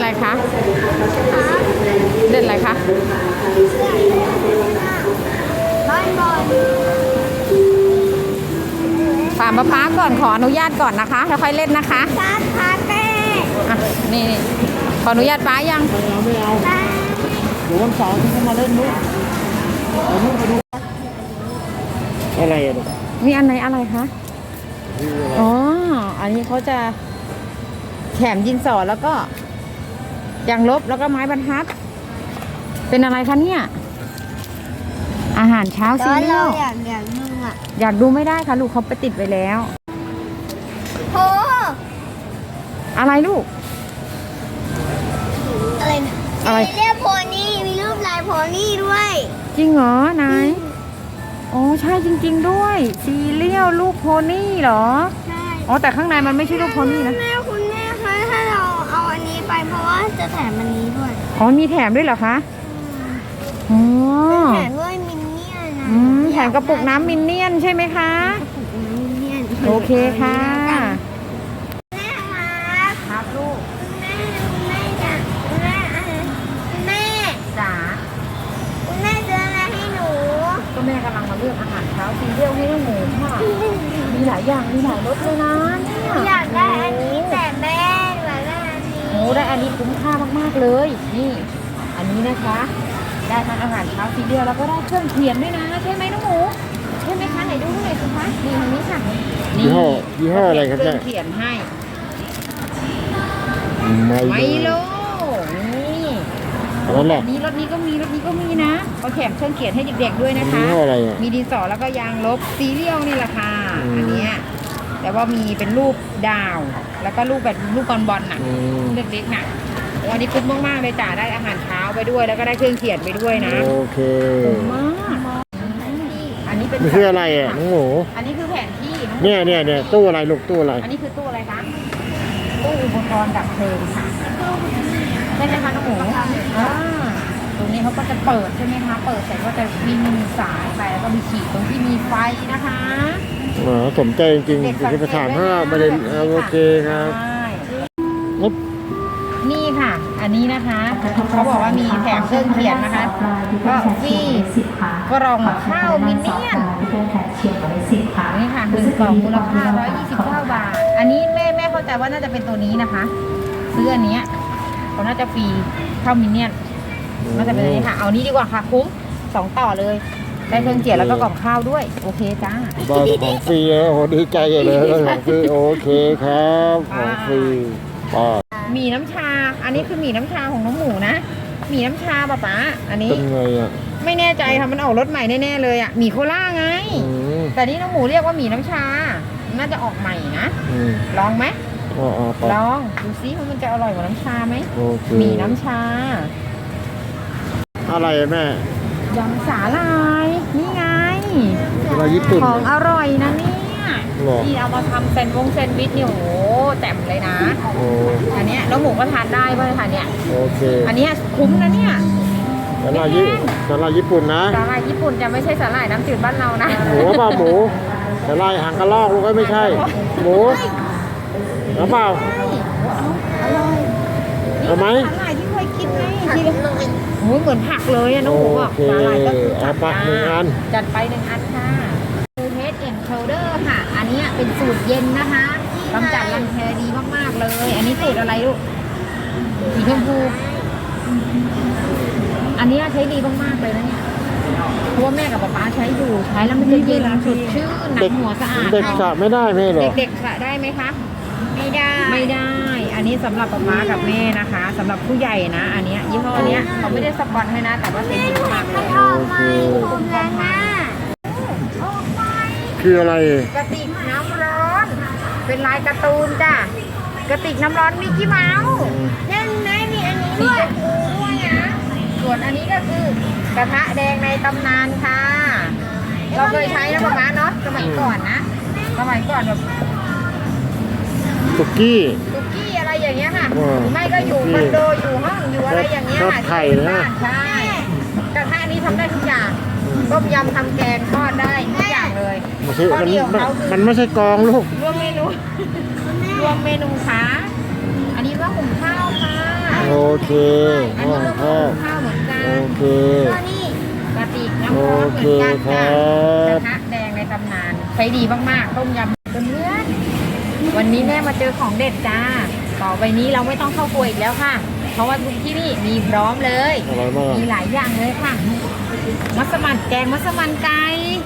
คะเล่นอะไรคะบ้านบอลถามป๊าก่อนขออนุญาตก่อนนะคะแล้วค่อยเล่นนะคะชาคาเต้อ่ะนี่ขออนุญาตป๊ายังไม่เอาเดี๋ยววันเสาร์ที่เขามาเล่นนู้นเอานู้นไปดูอะไรอ่ะลูกมีอันไหนอะไรคะอ๋ออันนี้เขาจะแถมดินสอแล้วก็ยางลบแล้วก็ไม้บรรทัดเป็นอะไรคะเนี่ยอาหารเช้าซีเรียลอยากดูอ่ะอยากดูไม่ได้ค่ะลูกเขาไปติดไว้แล้วโหอะไรลูกอะไรเนี่ยอะไรเรียกโพนี่มีรูปลายโพนี่ด้วยจริงเหรอนายโอ้ใช่จริงๆด้วยซีเรียลรูปโพนี่เหรอใช่อ๋อแต่ข้างในมันไม่ใช่รูปโพนี่นะแม่คุณแม่คะถ้าเราเอาอันนี้ไปเพราะว่าจะแถมอันนี้ด้วยอ๋อมีแถมด้วยเหรอคะอ๋อแถมด้วยมินเนี่ยนนะแถมกระปุกน้ำมินเนี่ยนใช่ไหมคะกระปุกน้ำมินเนี่ยนโอเคค่ะแม่ครับครับลูกแม่จ๋าแม่จ๋าคุณแม่ซื้ออะไรให้หนูก็แม่กำลังมาเลือกอาหารเช้าซีเรียลให้น้องหมูค่ะมีหลายอย่างมีหลายรสเลยนะเนี่ยอยากได้อันนี้แต่แม่อยากได้อันนี้โอ้ได้อันนี้คุ้มค่ามากๆเลยนี่อันนี้นะคะได้ทั้งอาหารเช้าซีเรียลแล้วก็ได้เครื่องเขียนด้วยนะใช่ไหมน้องหมูใช่ไหมคะไหนดูหน่อยสิคะนี่ทางนี้ค่ะยี่ห้ออะไรครับเนี่ยเครื่องเขียนให้ไมโลนี่นั่นแหละรถนี้ก็มีนะเขาแถมเครื่องเขียนให้เด็กๆด้วยนะคะมีดินสอแล้วก็ยางลบซีเรียลนี่แหละค่ะอันนี้แต่ว่ามีเป็นรูปดาวแล้วก็รูปแบบรูปบอลน่ะเล็กๆน่ะวันนี้คุ้มมากๆเลยจ้าได้อาหารเช้าไปด้วยแล้วก็ได้เครื่องเขียนไปด้วยนะโอเคคุ้มมากอันนี้เป็นคืออะไรอ่ะน้องหมูอันนี้คือแผนที่เนี่ยตู้อะไรลูกตู้อะไรอันนี้คือตู้อะไรคะตู้อุปกรณ์ดับเพลิงค่ะใช่ไหมคะน้องหมูตรงนี้เขาก็จะเปิดใช่ไหมคะเปิดเสร็จก็จะมีสายไปแล้วก็มีขีดตรงที่มีไฟนะคะสมใจจริงๆที่ประธานถ้าไม่ได้โอเคครับนี่ค่ะอันนี้นะคะเขาบอกว่ามีแถมเครื่องเขียนนะคะก็ที่กล่องข้าวมินเนี่ยนนี่ค่ะ1 กล่องมูลค่า129 บาทอันนี้แม่เข้าใจว่าน่าจะเป็นตัวนี้นะคะซื้ออันนี้เขาน่าจะฟรีข้าวมินเนี่ยนน่าจะเป็นอันนี้ค่ะเอานี้ดีกว่าค่ะคุ้ม2 ต่อเลยได้เครื่องเขียนแล้วก็กล่องข้าวด้วยโอเคจ้าของฟรีโอ้โหดีใจเลยของฟรีโอเคครับของฟรีหมี่น้ำชาอันนี้คือหมี่น้ำชาของน้องหมูนะหมี่น้ำชาป๊าอันนี้เป็นไงอ่ะไม่แน่ใจค่ะมันออกรสใหม่แน่ๆเลยอ่ะหมี่โคล่าไงแต่นี่น้องหมูเรียกว่าหมี่น้ำชาน่าจะออกใหม่นะลองไหมลองดูซิว่ามันจะอร่อยกว่าน้ำชาไหมหมี่น้ำชาอะไรแม่ยำสาลายนี่ไงอะไรญี่ปุ่นของอร่อยนะเนี่ยที่เอามาทำแซนด์วิชเนี่ยโอ้โหแจ่มเลยนะอันนี้แล้วหมูก็ทานได้ป่ะค่ะเนี่ยโอเคอันนี้คุ้มนะเนี่ยสาลายญี่ปุ่นนะสาลายญี่ปุ่นจะไม่ใช่สาลายน้ำจืดบ้านเรานะหมูเปล่าหมูสาลายหางกระรอกลูกก็ไม่ใช่หมูหรือเปล่าเอาไหมสาลายที่เคยกินไงที่โอ้เหมือนผักเลยอะน้องหมูบอกสาลายก็คือผัก1 อันจัดไป1 อันค่ะHead and Shoulder ค่ะอันนี้เป็นสูตรเย็นนะคะกำจัดรังแคดีมากๆเลยอันนี้สูตรอะไรลูกสีชมพูอันนี้ใช้ดีมากๆเลยนะเนี่ยเพราะว่าแม่กับป๊าใช้อยู่ใช้แล้วมันจะเย็นสดชื่นหนังหัวสะอาดเด็กสระไม่ได้ไหมหรอเด็กสระได้ไหมคะไม่ได้อันนี้สำหรับป๊ากับแม่นะคะสำหรับผู้ใหญ่นะอันนี้ยี่ห้อนี้เขาไม่ได้สปอนให้นะแต่ว่าเป็นดีมากเลยผมแล้วนะคืออะไรกระติกน้ำร้อนเป็นลายการ์ตูนจ้ะกระติกน้ำร้อนมิกกี้เมาส์นั่นไงมีอันนี้ด้วยนะส่วนอันนี้ก็คือกระทะแดงในตำนานค่ะเราเคยใช้นะป๊าเนาะสมัยก่อนนะสมัยก่อนแบบสุกี้อะไรอย่างเงี้ยค่ะหรือไม่ก็อยู่คอนโดอยู่ห้องอยู่อะไรอย่างเงี้ยไข่นะใช่กระทะนี้ทำได้ทุกอย่างต้มยำทำแกงทอดได้ทุกอย่างเลยมันไม่ใช่กองลูกรวมเมนูค่ะอันนี้ว่าหุงข้าวค่ะโอเคอันนี้ลูกข้าวข้าวเหมือนกันโอเคก็นี่กระติกน้ำร้อนเหมือนกันค่ะโอเคครับกระทะแดงในตำนานใช้ดีมากๆต้มยำเพื่อนๆวันนี้แม่มาเจอของเด็ดจ้าต่อไปนี้เราไม่ต้องเข้าครัวอีกแล้วค่ะ เพราะว่าทุกที่นี่มีพร้อมเลยอร่อยมากมีหลายอย่างเลยค่ะ มัสมั่นแกงมัสมั่นไก่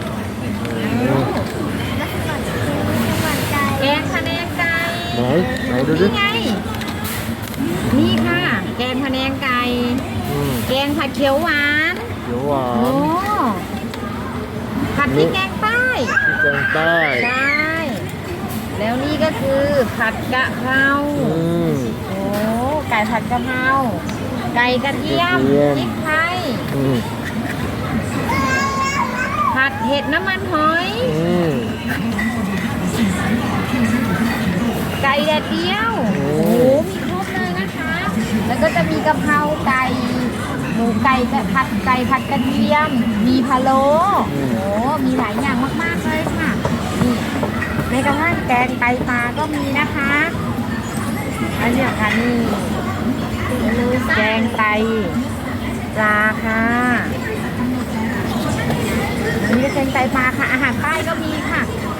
แล้วก็สวรรค์ใจแกงพะแนงไก่ไหนดูดินี่ไง นี่ค่ะ แกงพะแนงไก่อืมแกงผัดเขียวหวานเขียวหวาโอ้นผัดพริกแกงใต้ที่แกงใต้ใช่แล้วนี่ก็คือผัดกะเพราอืมโอ้ไก่ผัดกะเพราไก่กระเทียมกระเทียมพริกไทยอืมผัดเห็ดน้ำมันหอยอืมไก่แดดเดียวโอ้โอ้โหมีครบเลยนะคะ แล้วก็จะมีกะเพราไก่หมูไก่ผัดไก่ผัดกระเทียม มีพะโล้โอ้โหมีหลายอย่างมากๆเลยค่ะนี่ในกระทั่งแกงไตปลาก็มีนะคะ อันเนี้ยค่ะนี่แกงไตปลาค่ะอันนี้ก็แกงไตปลาค่ะ อาหารใต้ก็มีค่ะ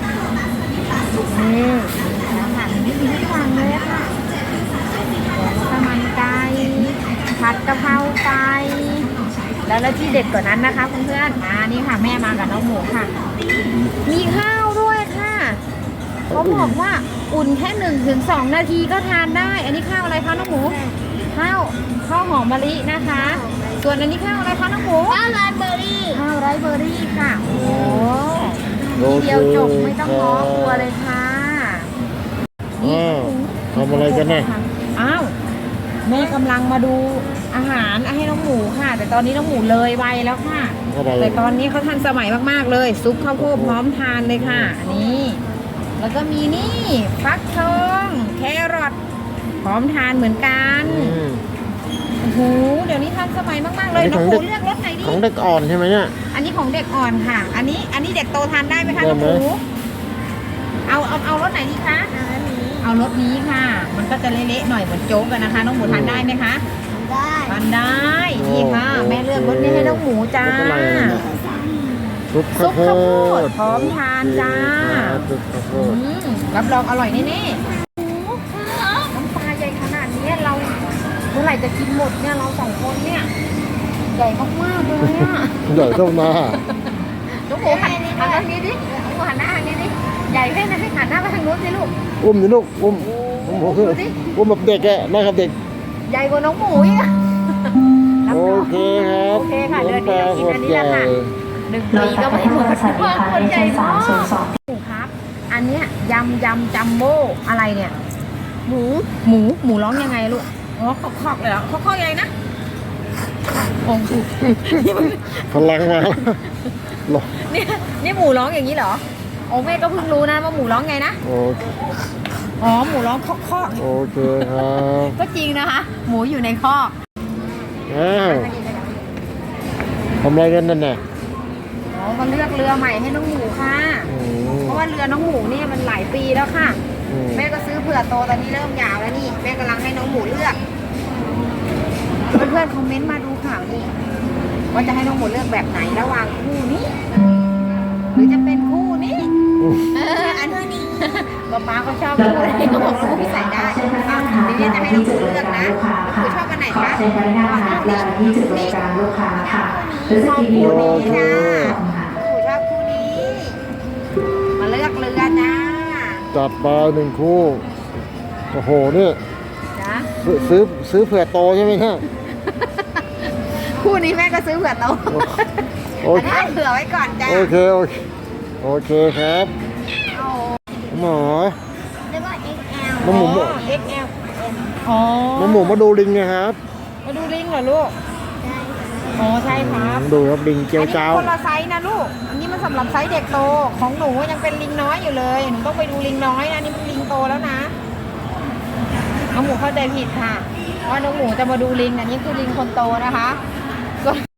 นี่อาหารนี่มีทุกอย่างเลยอะค่ะแกงสมันไก่ผัดกะเพราไก่แล้วที่เด็ดกว่านั้นนะคะเพื่อนๆนี่ค่ะแม่มากับน้องหมูค่ะ มีข้าวด้วยค่ะเขาบอกว่าอุ่นแค่1 ถึง 2 นาทีก็ทานได้ อันนี้ข้าวอะไรคะน้องหมู ข้าวหอมมะลินะคะ ส่วนอันนี้ข้าวอะไรคะน้องหมูข้าวไรเบอร์รี่ข้าวไรซ์เบอร์รี่ค่ะ โอ้โหโอทีเคเดียวจบไม่ต้องง้อครัวเลยค่ะอ้าวทำอะไรกันเนี่ยอ้าวแม่กำลังมาดูอาหารให้น้องหมูค่ะ แต่ตอนนี้น้องหมูเลยวัยแล้วค่ะอะไรแต่ตอนนี้เขาทันสมัยมากๆเลย ซุปข้าวโพดพร้อมทานเลยค่ะนี่แล้วก็มีนี่ฟักทองแครอทพร้อมทานเหมือนกันอืมโอ้โหเดี๋ยวนี้ทันสมัยมากๆเลยอันนี้น้องของหเด็มูกเลือกรสไหนดีของเด็กอ่อนใช่ไหมเนี่ยอันนี้ของเด็กอ่อนค่ะ อันนี้เด็กโตทานได้ไหมคะได้น้องไหหมมูเอารสไหนดีคะอันนี้เอารสนี้ค่ะ มันก็จะเละๆหน่อยเหมือนโจ๊กกันนะคะ น้องหมูทานได้ไหมคะได้ทานได้นี่ค่ะแม่เลือกรสนี้ให้น้องหมูจ้ารสอะไรอ่ะเนี่ยซุปซุข้าวปโพข้าวโพดดพร้อมทานจ้าครับซุปข้าวโพอืดมรับรองอร่อยแน่ๆน้ำปลาใหญ่ขนาดนี้เราเมื่อไหร่จะกินหมดเนี่ยเรา2 คนเนี่ยใหญ่มากๆเลยอ่ะใหญ่เท่าหน้าลูกหมูหันทางนี้ดิลูกหมูหันหน้าทางนี้ดิใหญ่แค่ไหนหันหน้าไปทางนู้นสิลูกอุ้มสิลูกอุ้มคือดูสิอุ้มแบบเด็กอะนะครับเด็กใหญ่กว่าน้องหมูอีกอะโอเคครับโอเคค่ะเดือนนี้เรากินอันนี้แหละค่ะ1 ปีก็ไม่หมดคนใหญ่มากหมูครับ อันเนี้ยยำจัมโบ้อะไรเนี่ย หมูร้องยังไงลูกอ๋อคอกเลยเหรอคอกยังไงนะโอ้โหพลังมาหรอนี่หมูร้องอย่างนี้เหรอโอ้แม่ก็เพิ่งรู้นะว่าหมูร้องไงนะโอเคอ๋อหมูร้องคอกโอเคครับก็จริงนะคะ หมูอยู่ในคอกอ้าวทำอะไรกันนั่นน่ะอ๋อมาเลือกเรือใหม่ให้น้องหมูค่ะอืมเพราะว่าเรือน้องหมูเนี่ยมันหลายปีแล้วค่ะอืมแม่ก็ซื้อเผื่อโตตอนนี้เริ่มยาวแล้วนี่แม่กำลังให้น้องหมูเลือกเพื่อนๆคอมเมนต์มาดูข่าวนี่ว่าจะให้น้องหมูเลือกแบบไหนระหว่างคู่นี้ หรือจะเป็นคู่นี้อันนี้ป๊าเขาชอบคู่ไหนเขาบอกน้องหมูใส่ได้ทีนี้จะให้น้องหมูเลือกนะน้องหมูชอบกันไหนคะใช้บริการหาปลาที่จุดบริการลูกค้าค่ะหรือชสอบกินคู่โยนี้จ้าน้องหมูชอบคู่นี้ มาเลือกเรือจ้าจัดไป1 คู่โอ้โหเนี่ยจ้าซื้อเผื่อโตใช่ไหมฮะคู่นี้แม่ก็ซื้อเผื่อโตโออันเคนี้เผื่อไว้ก่อนจ้าโอเคโอเคครับเอาหมอแล้วก็ XL น้องหมู XL อ๋อน้องหมูมาดูลิงไงครับมาดูลิงเหรอลูก อ๋อใช่ครับดูครับลิงเจียวอันนี้เจ้าคนละไซส์นะลูก อันนี้มันสำหรับไซส์เด็กโต ของหนูยังเป็นลิงน้อยอยู่เลย หนูต้องไปดูลิงน้อยนะนี่มันลิงโตแล้วนะ น้องหมูเข้าใจผิดค่ะว่าน้องหมูจะมาดูลิง อันนี้คือลิงคนโตนะคะ